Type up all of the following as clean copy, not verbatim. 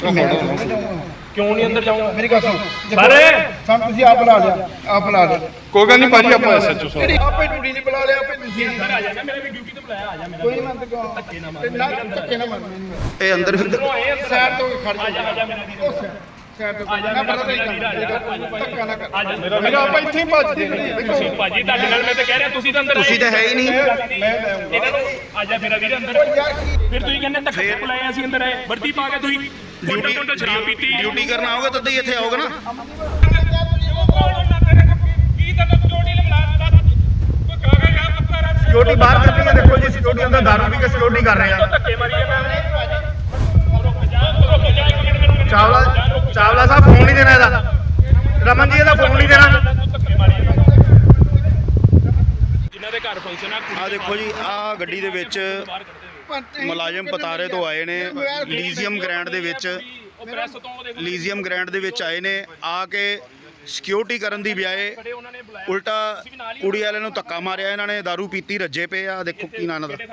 क्यों नहीं अंदर जाऊंगा? मेरी गल सुन सारे ਸਾਨੂੰ ਤੁਸੀਂ ਆਪ ਬੁਲਾ ਲਿਆ ਕੋਈ ਗੱਲ ਨਹੀਂ ਭਾਜੀ ਆਪਾਂ ਐਸਐਚਓ ਸਾਹਿਬ ਆਪੇ ਡਿਊਟੀ ਨਹੀਂ ਬੁਲਾ ਲਿਆ ਆਪੇ ਤੁਸੀਂ अंदर आ जाना, मेरा भी ड्यूटी तो बुलाया, आ जा मेरा। ਕੋਈ ਨਹੀਂ ਮੰਨਦੇ ਕਿਉਂ ਧੱਕੇ ਨਾ ਮਾਰ ਇਹ ਅੰਦਰ अंदरों आए अंदर ਸਾਈਡ ਤੋਂ ਖੜ आ जा मेरा वीर। ਜਾ ਸਾਈਡ ਤੋਂ ਨਾ ਪਤਾ ਨਹੀਂ ਧੱਕਾ ਨਾ ਕਰ आ जा ਮੇਰਾ ਆਪਾਂ ਇੱਥੇ ਹੀ ਭੱਜਦੇ ਨੇ ਤੁਸੀਂ ਭਾਜੀ ਤੁਹਾਡੇ ਨਾਲ ਮੈਂ ਤਾਂ ਕਹਿ ਰਿਹਾ ਤੁਸੀਂ ਤਾਂ ਅੰਦਰ ਤੁਸੀਂ ਤਾਂ ਹੈ ਹੀ ਨਹੀਂ ਇਹਨਾਂ ਨੂੰ ਆ ਜਾ ਮੇਰਾ ਵੀਰ ਅੰਦਰ। ਫਿਰ ਤੁਸੀਂ ਕਹਿੰਦੇ ਧੱਕੇ ਬੁਲਾਏ, ਅਸੀਂ ਅੰਦਰ ਆਏ, ਵਰਦੀ ਪਾ ਕੇ ਤੁਸੀਂ ਕੋਟਾ ਸ਼ਰਾਬ ਪੀਤੀ। ਡਿਊਟੀ ਕਰਨ ਆਓਗੇ ਤਦ ਹੀ ਇੱਥੇ ਆਓਗੇ ਨਾ। ਸਿਕਿਉਰਿਟੀ ਬਾਹਰ ਕਰ ਰਹੀ ਹੈ, ਦੇਖੋ ਜੀ ਸਿਕਿਉਰਿਟੀ ਅੰਦਰ ਦਾਰੂ ਪੀ ਕੇ ਸਿਕਿਉਰਿਟੀ ਕਰ ਰਹੇ ਆ। ਧੱਕੇ ਮਾਰੀ ਚਾਵਲਾ ਸਾਹਿਬ ਫੋਨ ਨਹੀਂ ਦੇਣਾ ਇਹਦਾ, ਰਮਨ ਜੀ ਇਹਦਾ ਫੋਨ ਨਹੀਂ ਦੇਣਾ। ਜਿਨ੍ਹਾਂ ਦੇ ਘਰ ਫੰਕਸ਼ਨ ਆ ਦੇਖੋ ਜੀ ਆ ਗੱਡੀ ਦੇ ਵਿੱਚ ਮੁਲਾਜ਼ਮ ਪਤਾਰੇ ਤੋਂ ਆਏ ਨੇ, ਲੀਜ਼ੀਅਮ ਗ੍ਰੈਂਡ ਦੇ ਵਿੱਚ ਲੀਜ਼ੀਅਮ ਗ੍ਰੈਂਡ ਦੇ ਵਿੱਚ ਆਏ ਨੇ। ਆ ਕੇ ਸਿਕਿਉਰਿਟੀ ਕਰਨ ਦੀ ਬਜਾਏ ਉਲਟਾ ਕੁੜੀ ਵਾਲਿਆਂ ਨੂੰ ਧੱਕਾ ਮਾਰਿਆ ਇਹਨਾਂ ਨੇ। ਦਾਰੂ ਪੀਤੀ ਰੱਜੇ ਪਏ ਆ। ਦੇਖੋ ਕੀ ਨਾਂ ਦਾ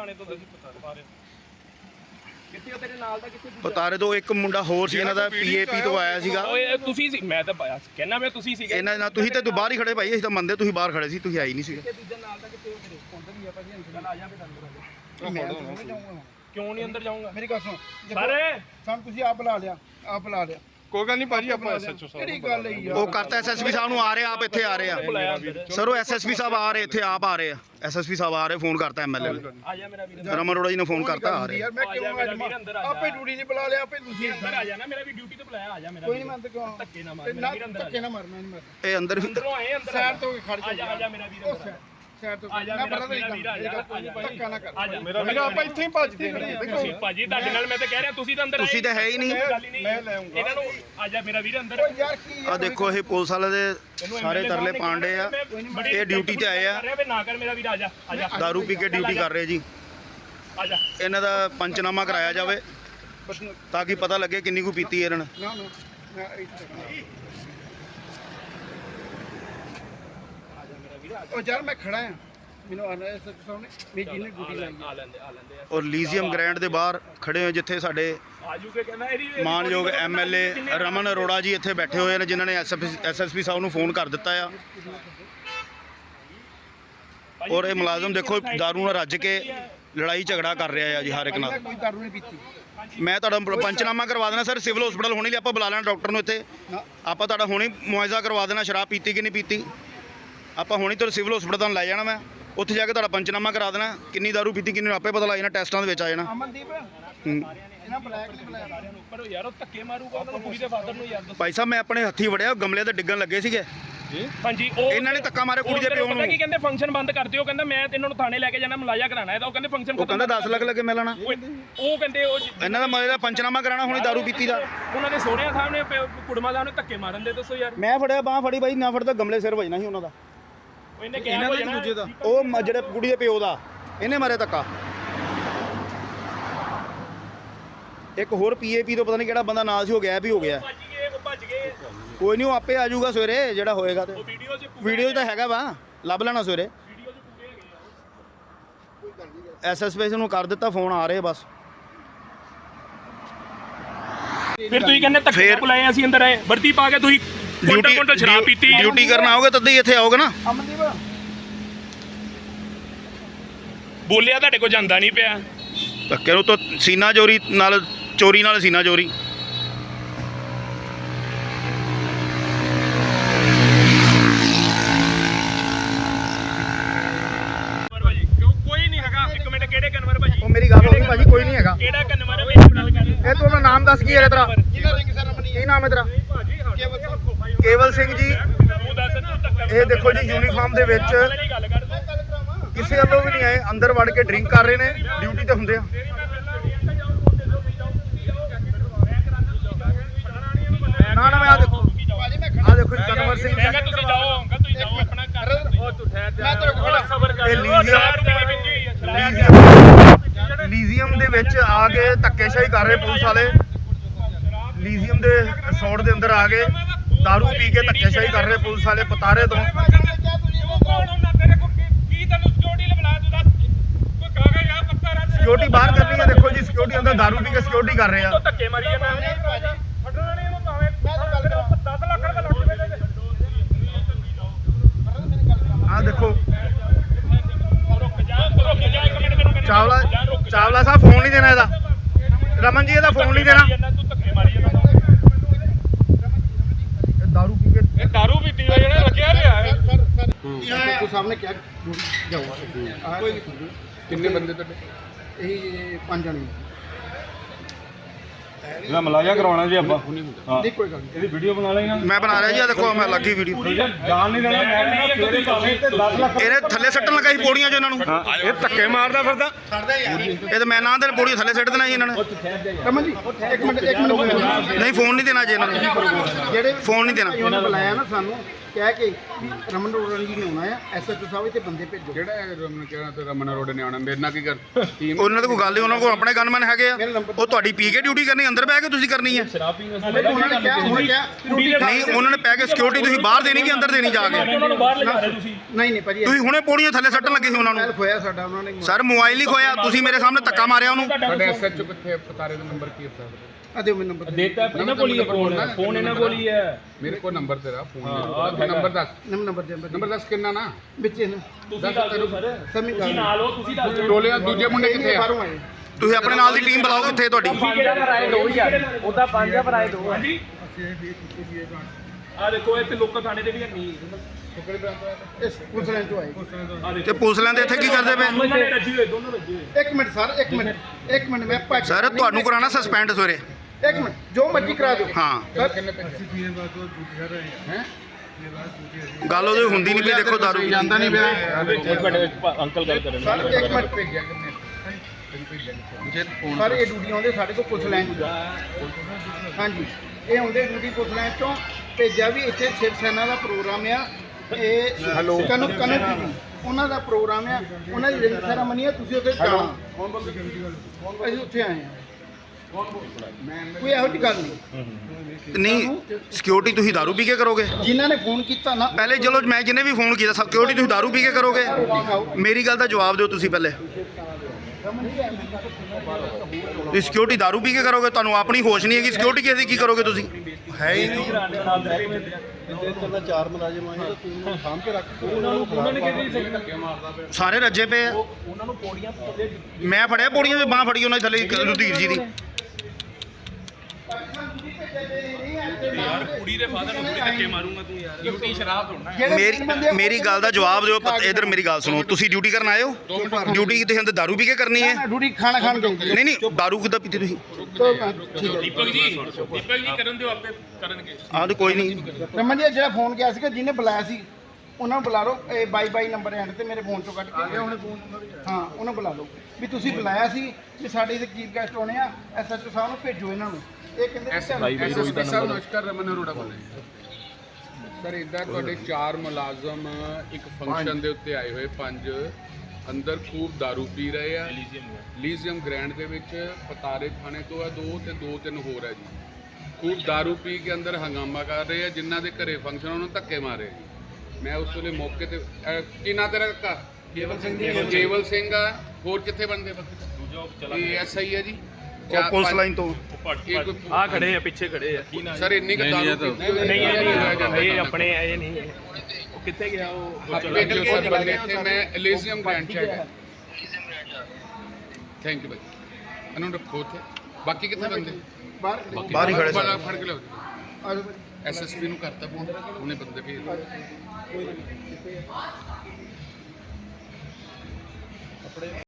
ਪਤਾਰੇ ਤੋਂ ਇੱਕ ਮੁੰਡਾ ਹੋਰ ਸੀ ਇਹਨਾਂ ਦਾ, ਪੀਏਪੀ ਤੋਂ ਆਇਆ ਸੀਗਾ। ਓਏ ਤੁਸੀਂ ਸੀ, ਮੈਂ ਤਾਂ ਕਹਿਣਾ ਮੈਂ ਤੁਸੀਂ ਸੀਗੇ ਇਹਨਾਂ ਨਾਲ ਤੁਸੀਂ ਤੇ ਬਾਹਰ ਹੀ ਖੜੇ ਭਾਈ, ਅਸੀਂ ਤਾਂ ਮੰਨਦੇ ਤੁਸੀਂ ਬਾਹਰ ਖੜੇ ਸੀ, ਤੁਸੀਂ ਆਈ ਨਹੀਂ ਸੀਗੇ। ਕਿਉਂ ਨਹੀਂ ਅੰਦਰ ਜਾਊਂਗਾ? ਮੇਰੀ ਗੱਲ ਸੁਣ ਸਾਰੇ ਸਾਨੂੰ ਤੁਸੀਂ ਆਪ ਬੁਲਾ ਲਿਆ ਕੋਈ ਗੱਲ ਨਹੀਂ ਭਾਜੀ ਆਪਾਂ ਐਸਐਚਓ ਕਿਹੜੀ ਗੱਲ ਹੈ ਯਾਰ ਉਹ ਕਰਤਾ ਐਸਐਸਪੀ ਸਾਹਿਬ ਨੂੰ ਆ ਰਹੇ ਆਪ ਇੱਥੇ ਆ ਰਹੇ ਆ ਸਰ। ਉਹ ਐਸਐਸਪੀ ਸਾਹਿਬ ਆ ਰਹੇ ਇੱਥੇ ਆਪ ਆ ਰਹੇ ਆ। ਐਸਐਸਪੀ ਸਾਹਿਬ ਆ ਰਹੇ, ਫੋਨ ਕਰਤਾ ਐਮਐਲਏ ਨੂੰ, ਆ ਜਾ ਮੇਰਾ ਵੀਰ। ਰਮਨ ਅਰੋੜਾ ਜੀ ਨੇ ਫੋਨ ਕਰਤਾ ਆ ਰਹੇ। ਯਾਰ ਮੈਂ ਕਿਉਂ ਆਪੇ ਡਿਊਟੀ ਨਹੀਂ ਬੁਲਾ ਲਿਆ ਆਪੇ ਤੁਸੀਂ ਅੰਦਰ ਆ ਜਾਣਾ, ਮੇਰਾ ਵੀ ਡਿਊਟੀ ਤੇ ਬੁਲਾਇਆ, ਆ ਜਾ ਮੇਰਾ ਕੋਈ ਨਹੀਂ ਮੰਨਦੇ ਕਿਉਂ ਧੱਕੇ ਨਾ ਮਾਰ ਮੇਰਾ ਵੀਰ ਅੰਦਰ। ਧੱਕੇ ਨਾ ਮਾਰ ਮੈਂ ਨਹੀਂ ਮਾਰਦਾ ਇਹ ਅੰਦਰ ਅੰਦਰੋਂ ਆਏ ਅੰਦਰ ਸਾਈਡ ਤੋਂ ਖੜ ਆ ਜਾ ਮੇਰਾ ਵੀਰ ਅੰਦਰ। ਸਾਈਡ ਤੋਂ ਆ ਜਾ ਨਾ ਮੇਰਾ ਪਤਾ ਨਹੀਂ ਵੀਰ, ਆ ਜਾ ਧੱਕਾ ਨਾ ਕਰ ਆ ਜਾ ਮੇਰਾ ਆਪਾਂ ਇੱਥੇ ਹੀ ਭੱਜਦੇ ਨੇ। ਤੁਸੀਂ ਭਾਜੀ ਤੁਹਾਡੇ ਨਾਲ ਮੈਂ ਤਾਂ ਕਹਿ ਰਿਹਾ ਤੁਸੀਂ ਤਾਂ ਅੰਦਰ ਆਏ। ਤੁਸੀਂ ਤਾਂ ਹੈ ਹੀ ਨਹੀਂ। ਮੈਂ ਲੈ ਆਉਂਗਾ ਇਹਨਾਂ ਨੂੰ। ਆ ਜਾ ਮੇਰਾ ਵੀਰ ਅੰਦਰ। ਯਾਰ ਕੀ ਆ ਦੇਖੋ ਇਹ ਪੁਲਿਸ ਵਾਲੇ ਦੇ ਸਾਰੇ ਤਰਲੇ ਪਾਂਡੇ ਆ। ਇਹ ਡਿਊਟੀ ਤੇ ਆਏ ਆ, ਨਾ ਕਰ ਮੇਰਾ ਵੀਰ, ਆ ਜਾ ਆ ਜਾ ਦਾਰੂ ਪੀ ਕੇ ਡਿਊਟੀ ਕਰ ਰਹੇ ਜੀ। ਆ ਜਾ। ਇਹਨਾਂ ਦਾ ਪੰਚਨਾਮਾ ਕਰਾਇਆ ਜਾਵੇ ਤਾਂ ਕਿ ਪਤਾ ਲੱਗੇ ਕਿੰਨੀ ਕੁ ਪੀਤੀ ਇਹਨਾਂ ਨੇ। ਨਾ ਮੈਂ ਉਹ ਯਾਰ ਮੈਂ ਖੜਾ ਆ, ਮੈਨੂੰ ਆਣਾ ਹੈ ਸੱਚ ਸਾਹਮਣੇ ਮੇਰੀ ਜਿਹਨੇ ਡਿਊਟੀ ਲਾਈ ਆ ਲੈਂਦੇ ਔਰ ਲੀਜ਼ੀਅਮ ਗ੍ਰੈਂਡ ਦੇ ਬਾਹਰ ਖੜੇ ਹੋ ਜਿੱਥੇ ਸਾਡੇ ਆਜੂ ਕੇ ਕਹਿੰਦਾ ਇਹਦੀ ਮਾਨਯੋਗ ਐਮਐਲਏ ਰਮਨ ਅਰੋੜਾ ਜੀ ਇੱਥੇ ਬੈਠੇ ਹੋਏ ਨੇ, ਜਿਨ੍ਹਾਂ ਨੇ ਐਸਐਸਪੀ ਸਾਹਿਬ ਨੂੰ ਫੋਨ ਕਰ ਦਿੱਤਾ ਆ। ਔਰ ਇਹ ਮੁਲਾਜ਼ਮ ਦੇਖੋ ਦਾਰੂ ਨਾਲ ਰੱਜ ਕੇ ਲੜਾਈ ਝਗੜਾ ਕਰ ਰਿਹਾ ਆ ਜੀ ਹਰ ਇੱਕ ਨਾਲ। ਕੋਈ ਦਾਰੂ ਨਹੀਂ ਪੀਤੀ। ਮੈਂ ਤੁਹਾਡਾ ਪੰਚਨਾਮਾ ਕਰਵਾ ਦੇਣਾ ਸਰ, ਸਿਵਲ ਹਸਪੀਟਲ ਹੋਣੀ ਲਈ ਆਪਾਂ ਬੁਲਾ ਲੈਣਾ ਡਾਕਟਰ ਨੂੰ ਇੱਥੇ। ਆਪਾਂ ਤੁਹਾਡਾ ਹੁਣੀ ਮੁਆਇਜ਼ਾ ਕਰਵਾ ਦੇਣਾ, ਸ਼ਰਾਬ ਪੀਤੀ ਕਿ ਨਹੀਂ ਪੀਤੀ। ਆਪਾਂ ਹੁਣੀ ਤੁਹਾਨੂੰ ਸਿਵਲ ਹਸਪੀਟਲ ਤੁਹਾਨੂੰ ਲੈ ਜਾਣਾ, ਮੈਂ ਉੱਥੇ ਜਾ ਕੇ ਤੁਹਾਡਾ ਪੰਚਨਾਮਾ ਕਰਾ ਦੇਣਾ, ਕਿੰਨੀ ਦਾਰੂ ਪੀਤੀ ਕਿੰਨੀ ਆਪੇ ਪਤਾ ਲੱਗ ਜਾਣਾ, ਟੈਸਟਾਂ ਦੇ ਵਿੱਚ ਆ ਜਾਣਾ। ਅਮਨਦੀਪ ਇਹਨਾਂ ਬਲੈਕ ਨਹੀਂ ਬੁਲਾਇਆ ਉੱਪਰ ਯਾਰ ਉਹ ਧੱਕੇ ਮਾਰੂਗਾ ਉਹਨਾਂ ਨੂੰ, ਕੁੜੀ ਦੇ ਫਾਦਰ ਨੂੰ ਯਾਰ। ਭਾਈ ਸਾਹਿਬ ਮੈਂ ਆਪਣੇ ਹੱਥੀ ਵੜਿਆ, ਗਮਲੇ ਤੇ ਡਿੱਗਣ ਲੱਗੇ ਸੀਗੇ। ਹਾਂਜੀ ਉਹ ਇਹਨਾਂ ਨੇ ਧੱਕਾ ਮਾਰਿਆ ਕੁੜੀ ਦੇ ਪਿਓ ਨੂੰ। ਪਤਾ ਕੀ ਕਹਿੰਦੇ, ਫੰਕਸ਼ਨ ਬੰਦ ਕਰ ਦਿਓ। ਕਹਿੰਦਾ ਮੈਂ ਤੇ ਇਹਨਾਂ ਨੂੰ ਥਾਣੇ ਲੈ ਕੇ ਜਾਣਾ, ਮੁਲਾਜ਼ਾ ਕਰਾਣਾ ਇਹਦਾ। ਉਹ ਕਹਿੰਦੇ ਫੰਕਸ਼ਨ ਉਹ ਕਹਿੰਦਾ 10 ਲੱਖ ਲੱਗੇ ਮਿਲਣਾ। ਉਹ ਕਹਿੰਦੇ ਉਹ ਇਹਨਾਂ ਦਾ ਮਤਲਬ ਪੰਚਨਾਮਾ ਕਰਾਣਾ ਹੁਣੀ ਦਾਰੂ ਪੀਤੀ ਦਾ। ਉਹਨਾਂ ਦੇ ਸੋਹਰਿਆਂ ਸਾਹਮਣੇ ਕੁੜਮਾ ਸਾਹਿਬ ਨੇ ਧੱਕੇ ਮਾਰਨ ਦੇ। ਦੱਸੋ ਯਾਰ, ਮੈਂ ਫੜਿਆ ਬਾਹ ਫੜੀ ਬਾਈ, ਨਾ ਫੜਦਾ ਗਮਲੇ ਸਿਰ ਵੱਜਣਾ ਸੀ ਉਹਨਾਂ ਦਾ। ਇਹਨੇ ਕਿਹਾ ਕੋਈ ਦੂਜੇ ਦਾ, ਉਹ ਜਿਹੜੇ ਕੁੜੀ ਦੇ ਪਿਓ ਦਾ ਇਹਨੇ ਮਾਰਿਆ ਧੱਕਾ। ਇੱਕ ਹੋਰ ਪੀਏਪੀ ਤੋਂ ਪਤਾ ਨਹੀਂ ਕਿਹੜਾ ਬੰਦਾ ਨਾਲ ਸੀ, ਹੋ ਗਿਆ ਵੀ ਹੋ ਗਿਆ। ਭੱਜ ਗਏ ਕੋਈ ਨਹੀਂ ਉਹ ਆਪੇ ਆ ਜਾਊਗਾ ਸਵੇਰੇ ਜਿਹੜਾ ਹੋਏਗਾ। ਤੇ ਵੀਡੀਓ 'ਚ ਤਾਂ ਹੈਗਾ ਵਾ, ਲੱਭ ਲੈਣਾ ਸਵੇਰੇ। ਐਸਐਸਪੀ ਨੂੰ ਕਰ ਦਿੱਤਾ ਫੋਨ, ਆ ਰਹੇ ਬਸ। ਫਿਰ ਤੁਸੀਂ ਕਹਿੰਦੇ ਧੱਕੇ ਬੁਲਾਏ, ਅਸੀਂ ਅੰਦਰ ਆਏ, ਵਰਦੀ ਪਾ ਕੇ ਤੁਸੀਂ ਕੋਟਾ ਸ਼ਰਾਬ ਪੀਤੀ। ਡਿਊਟੀ ਕਰਨ ਆਓਗੇ ਤਦ ਹੀ ਇੱਥੇ ਆਓਗੇ ਨਾ। ਅਮਨਦੀਪ ਬੋਲਿਆ ਤੁਹਾਡੇ ਕੋਲ ਜਾਂਦਾ ਨਹੀਂ ਪਿਆ। ਧੱਕੇ ਨੂੰ ਤਾਂ ਸੀਨਾ ਚੋਰੀ ਨਾਲ ਸੀਨਾ ਚੋਰੀ। ਕੋਈ ਨਹੀਂ ਹੈਗਾ। ਇੱਕ ਮਿੰਟ, ਕਿਹੜੇ ਕਨਵਰ ਭਾਜੀ? ਉਹ ਮੇਰੀ ਗੱਲ ਹੋ ਗਈ ਭਾਜੀ, ਕੋਈ ਨਹੀਂ ਹੈਗਾ। ਕਿਹੜਾ ਕਨਵਰ ਹੈ ਮੇਰੀ ਗੱਲ ਕਰ। ਇਹ ਤੂੰ ਆਪਣਾ ਨਾਮ ਦੱਸ ਕੀ ਹੈ ਤੇਰਾ? ਜਿਹਨਾਂ ਰਿੰਗ ਸੈਰਮਨੀ ਕੀ ਨਾਮ ਹੈ ਤੇਰਾ? ਕੇਵਲ ਸਿੰਘ ਜੀ। ਤੂੰ ਦੱਸ ਤੂੰ ਧੱਕਾ ਇਹ ਦੇਖੋ ਜੀ ਯੂਨੀਫਾਰਮ ਦੇ ਵਿੱਚ ਗੱਲ ਕਰ। ਕਿਸੇ ਵੱਲੋਂ ਵੀ ਨਹੀਂ ਆਏ, ਅੰਦਰ ਵੜ ਕੇ ਡਰਿੰਕ ਕਰ ਰਹੇ ਨੇ, ਡਿਊਟੀ ਤੇ ਹੁੰਦੇ ਆ। ਨਾ ਮੈਂ ਆ ਦੇਖੋ, ਆ ਦੇਖੋ ਜੀ ਕਨਵਰ ਸਿੰਘ ਮੈਂ ਕਿਹਾ ਤੁਸੀਂ ਜਾਓ, ਅੰਕਲ ਤੁਸੀਂ ਜਾਓ ਆਪਣਾ ਕਰ। ਉਹ ਤੂੰ ਠਹਿਰ ਜਾ, ਮੈਂ ਤੇਰੇ ਕੋਲ ਸਬਰ ਕਰ। ਇਹ ਲੀਜ਼ੀਅਮ ਦੇ ਵਿੱਚ ਆ ਕੇ ਧੱਕੇਸ਼ਾਹੀ ਕਰ ਰਹੇ ਪੁਲਿਸ ਵਾਲੇ। ਲੀਜ਼ੀਅਮ ਦੇ ਰਿਸੋਰਟ ਦੇ ਅੰਦਰ ਆ ਕੇ ਦਾਰੂ ਪੀ ਕੇ ਧੱਕੇਸ਼ਾਹੀ ਕਰ ਰਹੇ ਪੁਲਿਸ ਵਾਲੇ ਪਤਾਰੇ ਤੋਂ। ਸਿਕਿਉਰਿਟੀ ਬਾਹਰ ਕਰ ਰਹੀ ਹੈ, ਦੇਖੋ ਜੀ ਸਿਕਿਉਰਿਟੀ ਅੰਦਰ ਦਾਰੂ ਪੀ ਕੇ ਸਿਕਿਉਰਿਟੀ ਕਰ ਰਹੇ ਆ। ਧੱਕੇ ਮਾਰੀ ਜਾਂਦਾ। ਐਸਐਚਓ ਸਾਹਿਬ ਨੇ ਕਿਹਾ ਜਾਓ ਕਿੰਨੇ ਬੰਦੇ ਤੁਹਾਡੇ? ਇਹ 5 ਜਣੇ ਇਹਦਾ ਮਲਾਜਾ ਕਰਾਉਣਾ ਜੀ ਆਪਾਂ ਨਹੀਂ ਕੋਈ ਗੱਲ ਨਹੀਂ ਇਹਦੀ ਵੀਡੀਓ ਬਣਾ ਲੈਣਾ ਮੈਂ ਬਣਾ ਰਿਹਾ ਜੀ, ਆ ਦੇਖੋ ਮੈਂ ਲੱਗੀ ਵੀਡੀਓ। ਜਾਣ ਨਹੀਂ ਦੇਣਾ ਮੈਂ ਫੇਰੇ ਭਾਵੇਂ ਤੇ 10 ਲੱਖ ਇਹਨੇ ਥੱਲੇ ਸੱਟਣ ਲੱਗਾ ਸੀ ਪੌੜੀਆਂ 'ਚ ਇਹਨਾਂ ਨੂੰ। ਇਹ ਧੱਕੇ ਮਾਰਦਾ ਫਿਰਦਾ ਇਹ ਤਾਂ ਮੈਂ ਨਾ ਦੇ ਪੌੜੀਆਂ ਥੱਲੇ ਸੱਟ ਦੇਣਾ ਜੀ ਇਹਨਾਂ ਨੇ। ਰਮਨ ਜੀ ਇੱਕ ਮਿੰਟ ਨਹੀਂ ਫੋਨ ਨਹੀਂ ਦੇਣਾ ਜੀ ਇਹਨਾਂ ਨੂੰ, ਜਿਹੜੇ ਫੋਨ ਨਹੀਂ ਦੇਣਾ। ਉਹਨਾਂ ਨੇ ਬੁਲਾਇਆ ਨਾ ਸਾਨੂੰ ਕਹਿ ਕੇ ਵੀ ਰਮਨ ਰੋੜਨ ਜੀ ਨੇ ਆਉਣਾ ਆ ਐਸਐਚਓ ਸਾਹਿਬ ਇੱਥੇ ਬੰਦੇ ਭੇਜੋ। ਜਿਹੜਾ ਰਮਨ ਕਹਿਣਾ ਤੇ ਰਮਨ ਰੋਡ ਨੇ ਆਉਣਾ, ਮੇਰੇ ਨਾਲ ਕੀ ਕਰ ਟੀਮ ਉਹਨਾਂ ਦੇ ਕੋਈ ਗੱਲ ਨਹੀਂ, ਉਹਨਾਂ ਕੋਲ ਆਪਣੇ ਗਨਮੈਨ ਹੈਗੇ ਆ। ਉਹ ਤੁਹਾਡੀ ਪੀ ਕੇ ਡਿਊਟੀ ਕਰਨੀ, ਅੰਦਰ ਬਹਿ ਕੇ ਤੁਸੀਂ ਕਰਨੀ ਹੈ। ਉਹਨਾਂ ਨੇ ਕਿਹਾ ਰੋਟੀ ਨਹੀਂ ਉਹਨਾਂ ਨੇ ਪੈ ਕੇ ਸਿਕਿਉਰਿਟੀ ਤੁਸੀਂ ਬਾਹਰ ਦੇਣੀ ਕਿ ਅੰਦਰ ਦੇਣੀ ਜਾ ਕੇ? ਉਹਨਾਂ ਨੂੰ ਬਾਹਰ ਲਿਜਾ ਰਹੇ ਤੁਸੀਂ। ਨਹੀਂ ਭਾਜੀ ਤੁਸੀਂ ਹੁਣੇ ਪੌੜੀਆਂ ਥੱਲੇ ਸੱਟਣ ਲੱਗੇ ਸੀ ਉਹਨਾਂ ਨੂੰ। ਖੋਇਆ ਸਾਡਾ ਉਹਨਾਂ ਨੇ ਸਰ ਮੋਬਾਈਲ ਨਹੀਂ ਖੋਇਆ, ਤੁਸੀਂ ਮੇਰੇ ਸਾਹਮਣੇ ਧੱਕਾ ਮਾਰਿਆ ਉਹਨੂੰ। ਤੁਹਾਡੇ ਐਸਐਚਓ ਕਿੱਥੇ? ਪਤਾਰੇ ਦਾ ਨੰਬਰ ਕੀ ਹੈ? ਆ ਦਿਓ ਮੈਨੂੰ ਨੰਬਰ ਦੇਤਾ ਇਹਨਾਂ ਕੋਲ ਹੀ ਹੈ ਫੋਨ ਇਹਨਾਂ ਕੋਲ ਹੀ ਹੈ। ਮੇਰੇ ਕੋਲ ਨੰਬਰ ਤੇਰਾ ਫੋਨ ਨੰਬਰ ਦੱਸ, ਨੰਬਰ ਦੱਸ ਕਿੰਨਾ ਨਾ ਵਿੱਚ ਇਹਨਾਂ ਤੁਸੀਂ ਦੱਸ ਦਿਓ ਸਰ, ਸਮੀ ਤੁਸੀਂ ਨਾਲ ਹੋ, ਤੁਸੀਂ ਦੱਸ ਦਿਓ। ਟੋਲੇ ਦੂਜੇ ਮੁੰਡੇ ਕਿੱਥੇ ਆ? ਬਾਹਰੋਂ ਆਏ ਤੁਸੀਂ ਆਪਣੇ ਨਾਲ ਦੀ ਟੀਮ ਬੁਲਾਓ, ਕਿੱਥੇ ਤੁਹਾਡੀ? ਉਹਦਾ 5 ਆ ਭਰਾਏ 2 ਹਾਂਜੀ। ਆ ਦੇਖੋ ਇੱਥੇ ਲੋਕਾਂ ਥਾਣੇ ਦੇ ਵੀ ਨਹੀਂ। ਇਸ ਪੁਲਿਸ ਲਾਈਨ ਤੋਂ ਆਏ ਤੇ ਪੁਲਿਸ ਲੈਂਦੇ ਇੱਥੇ ਕੀ ਕਰਦੇ ਪਏ? ਦੋਨੋਂ ਨੇ ਰੱਜੀ ਹੋਏ, ਦੋਨੋਂ ਰੱਜੀ ਹੋਏ। ਇੱਕ ਮਿੰਟ ਸਰ ਇੱਕ ਮਿੰਟ ਮੈਂ ਭੱਜ ਸਰ ਤੁਹਾਨੂੰ ਕਰਾਣਾ ਸਸਪੈਂਡ ਸਵੇਰੇ। ਇੱਕ ਮਿੰਟ ਜੋ ਮਰਜ਼ੀ ਕਰਾ ਦਿਓ ਹਾਂ ਸਰ ਕਿੰਨੇ ਪੈਸੇ ਹੈ? ਗੱਲ ਉਹਦੀ ਹੁੰਦੀ ਨਹੀਂ ਪਈ, ਦੇਖੋ ਦਾਰੂ ਪੀਤੀ। ਜਾਂਦਾ ਨਹੀਂ ਪਿਆ ਅੰਕਲ ਗੱਲ ਕਰਨ ਸਰ ਇੱਕ ਮਿੰਟ ਭੇਜਿਆ ਕਿੰਨੇ ਜੇ ਫੋਨ ਸਰ ਇਹ ਡਿਊਟੀ ਆਉਂਦੇ ਸਾਡੇ ਕੋਲ ਪੁਲਿਸ ਲਾਈਨ ਤੋਂ ਹਾਂਜੀ ਇਹ ਆਉਂਦੇ ਡਿਊਟੀ ਪੁਲਿਸ ਲਾਈਨ ਤੋਂ ਭੇਜਿਆ ਵੀ ਇੱਥੇ ਸ਼ਿਵ ਸੈਨਾ ਦਾ ਪ੍ਰੋਗਰਾਮ ਆ। ਇਹ ਕਨਕ ਉਹਨਾਂ ਦਾ ਪ੍ਰੋਗਰਾਮ ਆ, ਉਹਨਾਂ ਦੀ ਰਿੰਗ ਸੈਰਾਮਨੀ ਆ, ਤੁਸੀਂ ਉੱਥੇ ਜਾਣਾ। ਅਸੀਂ ਉੱਥੇ ਆਏ ਆ, ਕੋਈ ਇਹੋ ਜਿਹੀ ਗੱਲ ਨਹੀਂ। ਨਹੀਂ ਸਿਕਿਉਰਿਟੀ ਤੁਸੀਂ ਦਾਰੂ ਪੀ ਕੇ ਕਰੋਗੇ? ਜਿਨ੍ਹਾਂ ਨੇ ਫੋਨ ਕੀਤਾ ਨਾ ਪਹਿਲੇ ਚਲੋ ਮੈਂ ਜਿਹਨੇ ਵੀ ਫੋਨ ਕੀਤਾ ਸਿਕਿਉਰਿਟੀ ਤੁਸੀਂ ਦਾਰੂ ਪੀ ਕੇ ਕਰੋਗੇ? ਮੇਰੀ ਗੱਲ ਦਾ ਜਵਾਬ ਦਿਓ ਤੁਸੀਂ ਪਹਿਲੇ। ਤੁਸੀਂ ਸਿਕਿਉਰਿਟੀ ਦਾਰੂ ਪੀ ਕੇ ਕਰੋਗੇ? ਤੁਹਾਨੂੰ ਆਪਣੀ ਹੋਸ਼ ਨਹੀਂ ਹੈਗੀ, ਸਿਕਿਉਰਿਟੀ ਕਿਸੇ ਦੀ ਕੀ ਕਰੋਗੇ ਤੁਸੀਂ? ਹੈ ਹੀ ਨਹੀਂ। ਸਾਰੇ ਰੱਜੇ ਪਏ ਆ। ਉਹਨਾਂ ਨੂੰ ਪੌੜੀਆਂ ਥੱਲੇ ਮੈਂ ਫੜਿਆ ਪੌੜੀਆਂ ਦੀ ਬਾਂਹ ਫੜੀ ਉਹਨਾਂ ਦੀ ਥੱਲੇ ਰੁਧੀਰ ਜੀ ਦੀ। ਯਾਰ ਕੁੜੀ ਦੇ ਫਾਦਰ ਨੂੰ ਥੋੜੀ ਧੱਕੇ ਮਾਰੂੰਗਾ ਤੂੰ ਯਾਰ। ਡਿਊਟੀ ਸ਼ਰਾਬ ਹੋਣਾ। ਮੇਰੀ ਗੱਲ ਦਾ ਜਵਾਬ ਦਿਓ। ਇਧਰ ਮੇਰੀ ਗੱਲ ਸੁਣੋ, ਤੁਸੀਂ ਡਿਊਟੀ ਕਰਨ ਆਏ ਹੋ? ਡਿਊਟੀ ਤੁਸੀਂ ਅੰਦਰ ਦਾਰੂ ਪੀ ਕੇ ਕਰਨੀ ਹੈ? ਡਿਊਟੀ ਖਾਣਾ ਖਾਣ ਗਏ ਨਹੀਂ ਦਾਰੂ ਕਿੱਦਾਂ ਪੀਤੀ ਤੁਸੀਂ? ਦੀਪਕ ਜੀ ਕਰਨ ਦਿਓ, ਆਪੇ ਕਰਨਗੇ। ਆਹ ਤੇ ਕੋਈ ਨਹੀਂ। ਰਮਨ ਜੀ ਜਿਹੜਾ ਫੋਨ ਗਿਆ ਸੀਗਾ ਜਿਹਨੇ ਬੁਲਾਇਆ ਸੀ ਉਹਨਾਂ ਨੂੰ ਬੁਲਾ ਲਓ। ਇਹ 22 ਨੰਬਰ ਐਂਡ ਤੇ ਮੇਰੇ ਫੋਨ ਚੋਂ ਕੱਢ ਕੇ ਹਾਂ ਉਹਨਾਂ ਬੁਲਾ ਲਓ ਵੀ ਤੁਸੀਂ ਬੁਲਾਇਆ ਸੀ ਵੀ ਸਾਡੇ ਇੱਥੇ ਚੀਫ ਗੈਸਟ ਆਉਣੇ ਆ, ਐਸਐਚਓ ਸਾਹਿਬ ਨੂੰ ਭੇਜੋ ਇਹਨਾਂ ਨੂੰ। ਇਹ ਕਹਿੰਦੇ ਐਸਐਸਪੀ ਸਾਹਿਬ ਨਮਸਕਾਰ, ਰਮਨ ਅਰੋੜਾ ਬੋਲ ਰਿਹਾ ਸਰ। ਇੱਦਾਂ ਤੁਹਾਡੇ 4 ਮੁਲਾਜ਼ਮ ਇੱਕ ਫੰਕਸ਼ਨ ਦੇ ਉੱਤੇ ਆਏ ਹੋਏ, 5 ਅੰਦਰ ਖੂਬ दारू ਪੀ ਰਹੇ ਆ। ਲੀਜ਼ੀਅਮ ਗ੍ਰੈਂਡ ਦੇ ਵਿੱਚ ਪਤਾਰੇ ਥਾਣੇ ਤੋਂ ਆ 2 ਤੇ 2-3 ਹੋਰ ਹੈ ਜੀ। ਖੂਬ दारू ਪੀ ਕੇ ਅੰਦਰ ਹੰਗਾਮਾ ਕਰ ਰਹੇ ਆ। ਜਿਨ੍ਹਾਂ ਦੇ ਘਰੇ ਫੰਕਸ਼ਨ ਉਹਨਾਂ ਨੂੰ ਧੱਕੇ ਮਾਰੇ ਜੀ। ਮੈਂ ਉਸ ਵੇਲੇ ਮੌਕੇ ਤੇ ਕੀ ਨਾਂ ਤੇਰਾ ਕਾਕਾ? ਕੇਵਲ ਸਿੰਘ ਆ। ਹੋਰ ਕਿੱਥੇ ਬੰਦੇ? ਇਹ ਐਸਆਈ ਹੈ ਜੀ ਪੁਲਿਸ ਲਾਈਨ ਤੋਂ। ਆ ਖੜੇ ਆ, ਪਿੱਛੇ ਖੜੇ ਆ। ਸਰ ਇੰਨੀ ਕੁ ਦਾਰੂ ਨਹੀਂ ਇਹ ਆਪਣੇ ਇਹ ਨਹੀਂ। ਉਹ ਕਿੱਥੇ ਗਿਆ? ਉਹ ਭੇਜੋ ਸਰ ਬੰਦੇ ਇੱਥੇ। ਮੈਂ ਲੀਜ਼ੀਅਮ ਗ੍ਰੈਂਡ ਚ ਹੈਗਾ। ਥੈਂਕ ਯੂ ਭਾਈ। ਇਹਨੂੰ ਰੱਖੋ ਉੱਥੇ। ਬਾਕੀ ਕਿੱਥੇ ਬੰਦੇ? ਬਾਹਰ ਹੀ ਖੜੇ ਸਨ। ਫੜ ਕੇ ਲਿਆਓ। ਐਸਐਸਪੀ ਨੂੰ ਕਰਤਾ ਫੋਨ, ਉਹਨੇ ਬੰਦੇ ਭੇਜ ਦਿੱਤੇ।